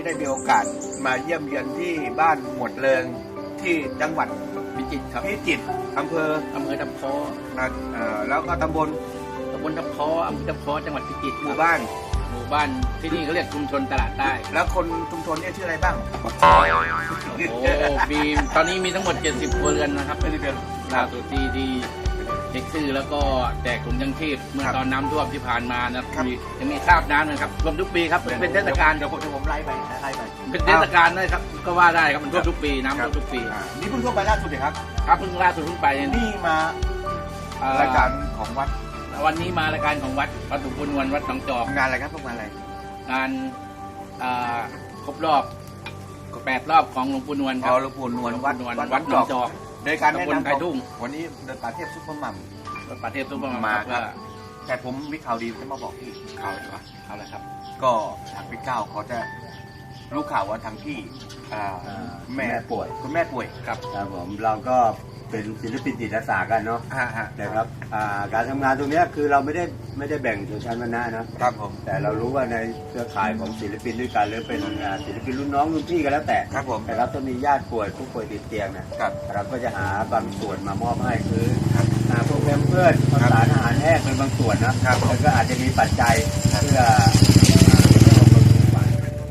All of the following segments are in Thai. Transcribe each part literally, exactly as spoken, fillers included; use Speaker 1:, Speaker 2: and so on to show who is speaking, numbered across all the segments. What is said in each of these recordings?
Speaker 1: ได้มีโอกาสมาเยี่ยมเยือนที่บ้านหมวดเริงที่จังหวัด
Speaker 2: พิจิตรครับ
Speaker 1: พิจิตรอำเภอ
Speaker 2: อำเภอทับคอ
Speaker 1: นะเอ่อแล้วก็ตำบล
Speaker 2: ตำบลทับคออำเภอทับคอจังหวัดพิจิตร
Speaker 1: หมู่บ้าน
Speaker 2: หมู่บ้านที่นี่เขาเรียกชุมชนตลาดใต้
Speaker 1: แล้วคนชุมชนเนี่ยชื่ออะไรบ้าง
Speaker 2: โอ้มีตอนนี้มีทั้งหมดเจ็ดสิบครัวเรือนนะครับไม่ได้เป็นล่าสุดที่ที่เช็คชื่อแล้วก็แจกถุงยังชีพเมื่อตอนน้ำท่วมที่ผ่านมานะครับมียังมีคราบน้ำนะครับรวมทุกปีครับเป็นเทศกาล
Speaker 1: เดี๋ยวผมจะผมไล่ไปไล่ไป
Speaker 2: เป็นเทศกาลนะครับก็ว่าได้ครับมันท่วมทุกปีน้ำท่วมทุกปี
Speaker 1: อ่านี่เพิ่งท่วมไปล่าสุดเลยครับ
Speaker 2: ครับเพิ่งล่าสุดเพิ่งไปเนี่ย
Speaker 1: นี่มา
Speaker 2: เอ่อ
Speaker 1: รายการของวัด
Speaker 2: วันนี้มารายการของวัดวัดสุพรรณวันวัดหนองจอก
Speaker 1: งานอะไรครับพวกงานอะไร
Speaker 2: งานอ่าครบรอบแปดรอบของหลวงปู่นวลค
Speaker 1: อ๋
Speaker 2: รั
Speaker 1: อบ หลวงปู่นวลวัด
Speaker 2: หลวงปู่นวล
Speaker 1: วั
Speaker 2: วั
Speaker 1: ด
Speaker 2: ด
Speaker 1: ห
Speaker 2: ห
Speaker 1: น
Speaker 2: น
Speaker 1: อ
Speaker 2: อง ง
Speaker 1: จ
Speaker 2: จ
Speaker 1: อ
Speaker 2: อก ก
Speaker 1: โดยการแนะ
Speaker 2: ตำบล
Speaker 1: นำ
Speaker 2: ไผ่ทุ่ง
Speaker 1: วันนี้เดินป่าเทพซุปเปอร์มัม
Speaker 2: วัดป่าเทพทุกประมาณ
Speaker 1: มา
Speaker 2: ครับ
Speaker 1: ครับ
Speaker 2: ว่า
Speaker 1: แต่ผมมีข่าวดีจะมาบอกพี่
Speaker 2: เอาเลยครับเอาเลยครับ
Speaker 1: ก็ทางพี่เก้าเขาจะรู้ข่าวว่าทางพี่อ่า
Speaker 3: อ่า
Speaker 1: แม่
Speaker 3: แม่ป่วย
Speaker 1: คุณแม่ป่วยครับ
Speaker 3: ครับผมเราก็เป็นศิลปินจิตอาสากันเนาะ
Speaker 1: ฮะฮะ
Speaker 3: นะครับอ่าการทำงานตรงเนี้ยคือเราไม่ได้ไม่ได้แบ่งชนชั้นวรรณะนะครับ
Speaker 1: ผม
Speaker 3: แต่เรารู้ว่าในเครือข่ายของศิลปินด้วยกันหรือเป็นอ่าศิลปินรุ่นน้องรุ่นพี่ก็แล้วแต่
Speaker 1: ครับผม
Speaker 3: นะครับถ้ามีญาติป่วยผู้ป่วยติดเตียงนะครับ เราก็จะหาบางส่วนมามอบให้คือ
Speaker 1: ครับ
Speaker 3: อ่าพวกแพมเพื่อนข้าวสารอาหารแห้งเป็นบางส่วนนะครับ แล้วก็อาจจะมีปัจจัย
Speaker 1: ครับ
Speaker 3: เพื่ออ่าเพื่อบำรุงฝ่าย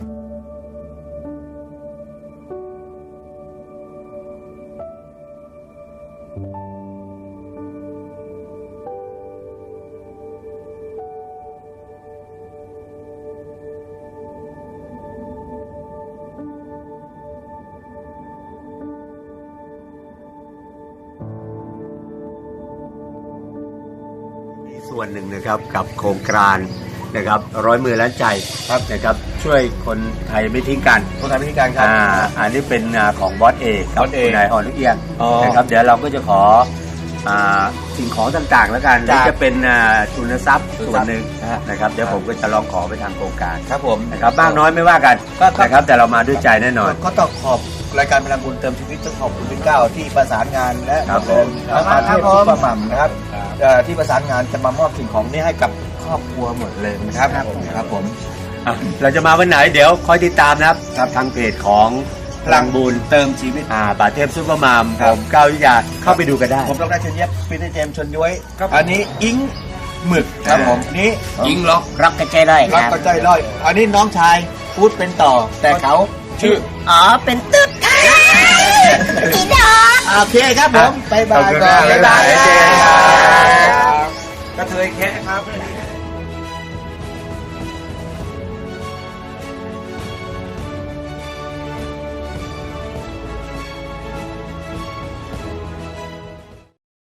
Speaker 3: ส่วนหนึ่งนะครับกับโครงการนะครับร้อยมือล้านใจครับนะครับช่วยคนไทยไม่ทิ้งกัน
Speaker 1: คนทำพิธีการครับ
Speaker 3: อ่าอันนี้เป็นอ่าของบอสเอกกับบ
Speaker 1: อสเอก
Speaker 3: คุณนายอ่อนลูกเอียง
Speaker 1: อ๋อ
Speaker 3: นะครับเดี๋ยวเราก็จะขออ่าสิ่งของต่างๆ แล้วกันหรือ
Speaker 1: จ้ะ
Speaker 3: จะเป็นอ่าทุนทรัพย์
Speaker 1: ทุน
Speaker 3: ส่
Speaker 1: ทรั
Speaker 3: ว
Speaker 1: พ
Speaker 3: น
Speaker 1: ย์
Speaker 3: หนึ่ง
Speaker 1: นะฮะ
Speaker 3: นะครับเดี๋ยวผมก็จะลองขอไปทางโครงการ
Speaker 1: ครับผม
Speaker 3: นะครับบ้างน้อยไม่ว่ากัน
Speaker 1: ก็ก็
Speaker 3: นะครับแต่เรามาด้วยใจแน่นอน
Speaker 1: ก็ต้องขอบรายการพลังบุญเติมชีวิตต้องขอบคุณพี่เก้าที่ประสานงานและ
Speaker 3: ครับ
Speaker 1: เดิน
Speaker 3: ผม
Speaker 1: ประเทศซุปเปอร์มัมนะครับ
Speaker 2: ครับ
Speaker 1: เอ่อที่ประสานงานจะมามอบสิ่งของนี้ให้กับครอบครัวหมดเลยนะครับครับผม
Speaker 3: อ่ะเราจะมาวันไหนเดี๋ยวคอยติดตามนะครับ
Speaker 1: ครับ
Speaker 3: ทางเพจของพลังบุญ
Speaker 1: เติมชีวิต
Speaker 3: อ่าป่าเทพซุปเปอร์มาม
Speaker 1: ครั
Speaker 3: ผ
Speaker 1: บ
Speaker 3: มก้าววิทยาเข้าไปดูกันได้
Speaker 1: ผมต้องได้เชิญเย็บปีเตอร์เจมส์ชนย้วย
Speaker 2: ครับ
Speaker 1: อันนี้อิงหมึกครับผมนี่
Speaker 2: ยิงล็อก
Speaker 4: ร็อกกระเจได้ค
Speaker 1: รัก
Speaker 4: รับ
Speaker 1: ก็ใจร้อย อันนี้น้องชายพูดเป็นต่อ แต่เขาชื่อ
Speaker 4: อ๋อ เป็นตึ๊ดค่ะสีดอ
Speaker 1: โอเคครับผมบายบาย
Speaker 3: ขอบคุณ
Speaker 1: ก่อน
Speaker 3: มาก
Speaker 1: บ๊ายบาย
Speaker 3: บ๊ายบาย
Speaker 1: ครับกระเทยแคะครับ